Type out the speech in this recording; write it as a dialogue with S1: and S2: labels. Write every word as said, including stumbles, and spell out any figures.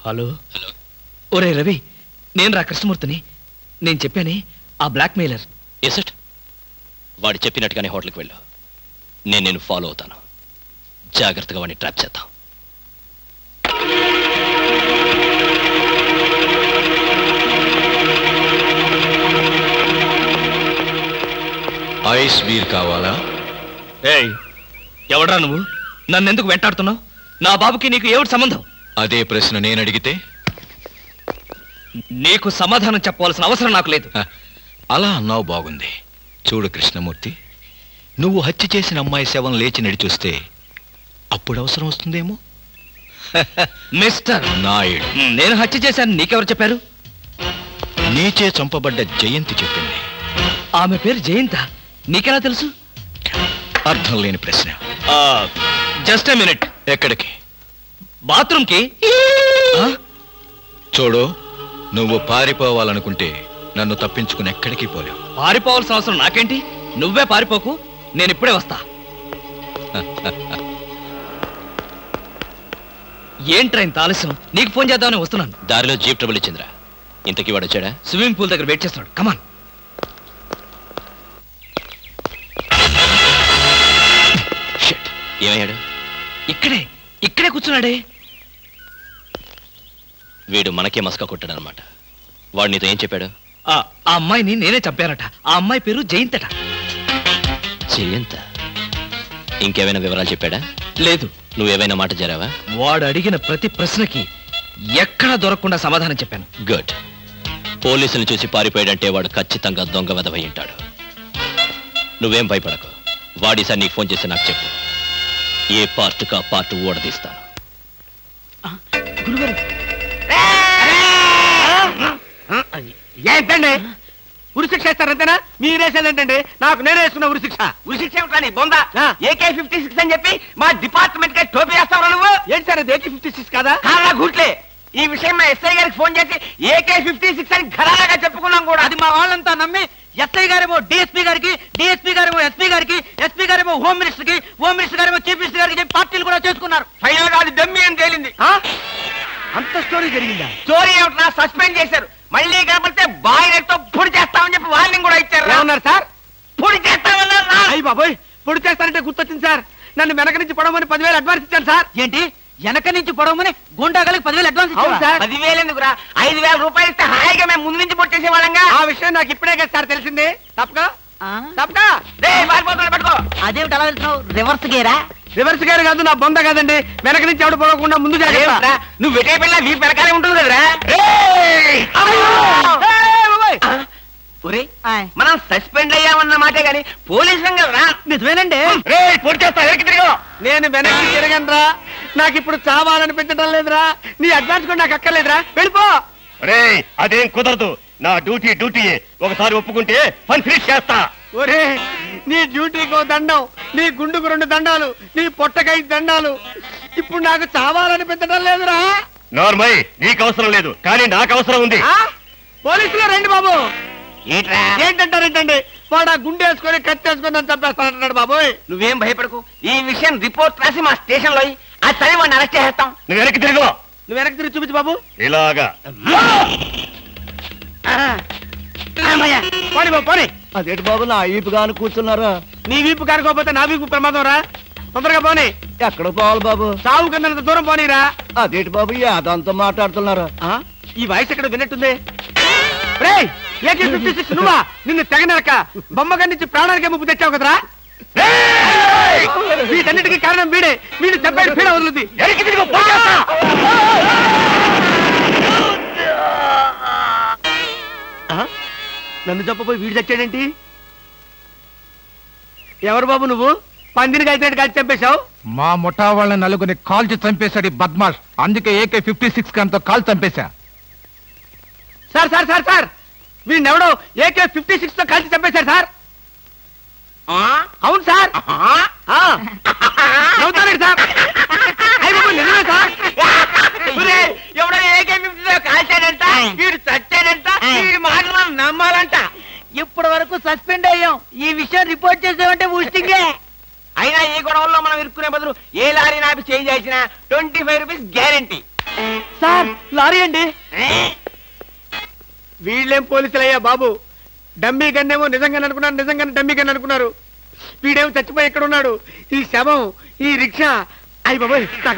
S1: Hello hello ఒరే రవి, నేను రా కృష్ణమూర్తిని. నేను చెప్పానే ఆ బ్లాక్ మెయిలర్.
S2: Yes it. వాడు చెప్పినట్టుగానే హోటల్కి వెళ్ళు. నేను నేను ఫాలో అవుతాను. జాగ్రత్తగా వాడిని ట్రాప్ చేద్దాం.
S3: ఐస్ బీర్ కావాలా?
S1: ఏయ్, ఎవడ్రా నువ్వు? నన్నెందుకు వెంటాడుతున్నావు? నా బాబుకి నీకు ఏమిటి సంబంధం?
S3: అదే ప్రశ్న నేను అడిగితే
S1: నీకు సమాధానం చెప్పవలసిన అవసరం నాకు లేదు.
S3: అలా అన్నావు, బాగుంది. చూడు కృష్ణమూర్తి, నువ్వు హత్య చేసిన అమ్మాయి శవం లేచి నడిచొస్తే అప్పుడు అవసరం వస్తుందేమో.
S1: మిస్టర్
S3: నాయుడు,
S1: నేను హత్య చేశాను నీకెవరు చెప్పారు?
S3: నీచే చంపబడ్డ జయంతి చెప్పింది.
S1: ఆమె పేరు జయంత, నీకెలా తెలుసు?
S3: అర్థం లేని ప్రశ్న.
S1: Just a minute.
S3: ఎక్కడికి?
S1: బాత్రూమ్కి.
S3: చూడు, నువ్వు పారిపోవాలనుకుంటే నన్ను తప్పించుకుని ఎక్కడికి పోలేవు.
S1: పారిపోవాల్సిన అవసరం నాకేంటి? నువ్వే పారిపోకు, నేను ఇప్పుడే వస్తా. ఏంట్రా ఇంత ఆలస్యం? నీకు ఫోన్ చేద్దామని వస్తున్నాను.
S2: దారిలో జీప్ ట్రబుల్ ఇచ్చిందిరా. ఇంతకీ వాడు వచ్చాడా?
S1: స్విమ్మింగ్ పూల్ దగ్గర వెయిట్ చేస్తున్నాడు. కమాన్.
S2: షిట్, ఏమయ్యాడు?
S1: ఇక్కడే ఇక్కడే కూర్చున్నాడే.
S2: వీడు మనకే మస్కా కొట్టాడనమాట. వాడు నీతో ఏం చెప్పాడు?
S1: ఆ అమ్మాయిని నేనే చంపానట. ఆ అమ్మాయి పేరు జయంతట.
S2: జయంత? ఇంకేమైనా వివరాలు చెప్పాడా?
S1: లేదు.
S2: నువ్వేమైనా మాట జరావా?
S1: వాడు అడిగిన ప్రతి ప్రశ్నకి ఎక్కడా దొరకకుండా సమాధానం చెప్పాను.
S2: గుడ్. పోలీసులు చూసి పారిపోయాడంటే వాడు ఖచ్చితంగా దొంగ వెధవై ఉంటాడు. నువ్వేం భయపడకు. వాడిసారి నీకు ఫోన్ చేసి నాకు చెప్పు. ఏ పార్ట్ కా పార్ట్ ఓడదీస్తాను.
S4: ఏంటండి ఉరిశిక్ష ఇస్తారంతేనా? మీరేసేదేంటండి? నాకు నేనే వేసుకున్న ఉరిశిక్ష. ఉరిశిక్ష ఏమిటని బొందా? ఏకే ఫిఫ్టీ సిక్స్ అని చెప్పి మా డిపార్ట్మెంట్ కి టోపీ వేస్తావు నువ్వు. ఏంటి సార్ అది? ఏకే ఫిఫ్టీ సిక్స్ కాదా? కాదా గుట్లే. ఈ విషయం మా ఎస్ఐ గారికి ఫోన్ చేసి ఏకే ఫిఫ్టీ సిక్స్ అని ఘరాగా చెప్పుకున్నాం కూడా. అది మా వాళ్ళంతా నమ్మి ఎస్ఐ గారేమో డిఎస్పీ గారికి, డిఎస్పీ గారేమో ఎస్పీ గారికి, ఎస్పీ గారేమో హోమ్ మినిస్టర్ కి, హోమ్ మినిస్టర్ గారేమో చీఫ్ మినిస్టర్ గారికి చెప్పి పార్టీలు కూడా చేసుకున్నారు. ఫైనల్ గా అది దమ్మి అని తేలింది. అంత స్టోరీ జరిగిందా? స్టోరీ ఏమిటా? సస్పెండ్ చేశారు. మళ్ళీ కనపడితే బాయిలర్తో పొడి చేస్తామని చెప్పి వార్నింగ్ కూడా ఇచ్చారు. ఏమన్నారు సార్? పొడి చేస్తామన్నారు. అయ్యి బాబోయ్, పొడి చేస్తారంటే గుర్తొచ్చింది సార్. నన్ను వెనక నుంచి పడవమని పదివేలు అడ్వాన్స్ ఇచ్చాను సార్. ఏంటి? వెనక నుంచి పడవమని గుండాగలకి పదివేలు అడ్వాన్స్ ఇచ్చారు సార్. పదివేలు ఎందుకురా? ఐదు వేల రూపాయలు ఇస్తే హాయిగా మేము ముందు నుంచి పొడి చేసేవాళ్ళంగా. ఆ విషయం నాకు ఇప్పుడే కదా సార్ తెలిసింది. తప్పగా తప్పగా పట్టుకో. అదేమిటి అలా వెళ్తున్నావు? రివర్స్ గేరా? రివర్స్ గేర్ కాదు, నా బొంద కాదండి. వెనక నుంచి ఎవడు పడకుండా ముందు జాగ్రత్త. నువ్వు వెటే పిల్ల వీ వెనకాలే ఉంటుంది కదరా. మనం సస్పెండ్ అయ్యామన్న మాటే గాని పోలీసు కదరా. నిజమేనండి. నేను వెనక్కి తిరగనరా. నాకు ఇప్పుడు చావాలనిపించడం లేదురా. నీ అడ్వాన్స్ కూడా నాకు అక్కర్లేదురా. వెళ్ళిపో.
S5: అదేం కుదరదు. నా డ్యూటీ డ్యూటీ. ఒకసారి ఒప్పుకుంటే పని ఫినిష్ చేస్తా.
S4: ఒరే, నీ డ్యూటీకో దండం, నీ గుండుకు రెండు దండాలు, నీ పొట్టకై దండాలు. ఇప్పుడు నాకు చావాలనిపించడం లేదురా.
S5: నార్మల్, నీకు అవసరం లేదు కానీ నాకు అవసరం ఉంది.
S4: పోలీసులు రండి బాబు. ఏంటంటారేంటండి? వాడు ఆ గుండె వేసుకొని కత్తి వేసుకొని నన్ను చంపేస్తానంటున్నాడు బాబోయ్. నువ్వేం భయపడకు. ఈ విషయం రిపోర్ట్ రాసి మా స్టేషన్ లో ఆ చదివి వాడిని అరెస్ట్ చేస్తాం.
S5: నువ్వు వెనక్కి తిరుగు.
S4: నువ్వు వెనక్కి తిరిగి చూపించు బాబు.
S5: ఇలాగా
S4: పోనీ బాబు పోనీ.
S6: అదేంటి బాబు నా వీపు కాను కూర్చున్నారా?
S4: నీ వీపు కానుకోకపోతే నా వీపు ప్రమాదం రా. తొందరగా పోనీ.
S6: ఎక్కడ పోవాలి బాబు?
S4: సాగు కింద దూరం పోనీరా.
S6: అదేంటి బాబు అదంతా మాట్లాడుతున్నారా?
S4: ఈ వాయిస్ ఎక్కడ విన్నట్టుంది? రేయ్, ఏకే ఫిఫ్టీ సిక్స్ నువ్వా? నిన్ను తెగనరక బొమ్మగారి నుంచి ప్రాణానికే ముప్పు తెచ్చావు కదరా. వీటన్నిటికీ కారణం వీడే. వీడు చెప్పాడు పీడ వదులుద్ది. నన్ను చెప్పబోయి వీడు చచ్చాడేంటి? ఎవరు బాబు నువ్వు? పందిని కలిసినట్టు కలిసి చంపేశావు.
S7: మా ముఠా వాళ్ళ నలుగురిని కాల్చి చంపేశాడు ఈ బద్మాష్. అందుకే ఏకే ఫిఫ్టీ సిక్స్ కంతో కాల్ చంపేశా.
S4: సార్ సార్ సార్ సార్ వీడిని ఎవడో ఏకే ఫిఫ్టీ సిక్స్ తో కలిసి చంపేశారు సార్. అవును సార్. అవుతానండి సార్. నిజమే సార్. ఎవడో ఏకే ఫిఫ్టీ తో కాల్చాడంట, వీడు చచ్చాడంట, వీడి మాటలు మనం నమ్మాలంట. ఇప్పటి వరకు సస్పెండ్ అయ్యాం. ఈ విషయం రిపోర్ట్ చేసామంటే ఊస్టింగే. అయినా ఈ గొడవల్లో మనం ఇరుక్కునే బదులు ఏ లారీ నాపి చేంజ్ చేసినా twenty five rupees guarantee. Sir lorry అండి. వీళ్ళేం పోలీసులయ్యా బాబు, డమ్మీ గన్నేమో నిజంగానే అనుకున్నారు, నిజంగానే డమ్మీ గన్ అనుకున్నారు. వీడేమో చచ్చిపోయి ఎక్కడ ఉన్నాడు, ఈ శవం, ఈ రిక్షా. అయ్యి బాబోయ్, నాకు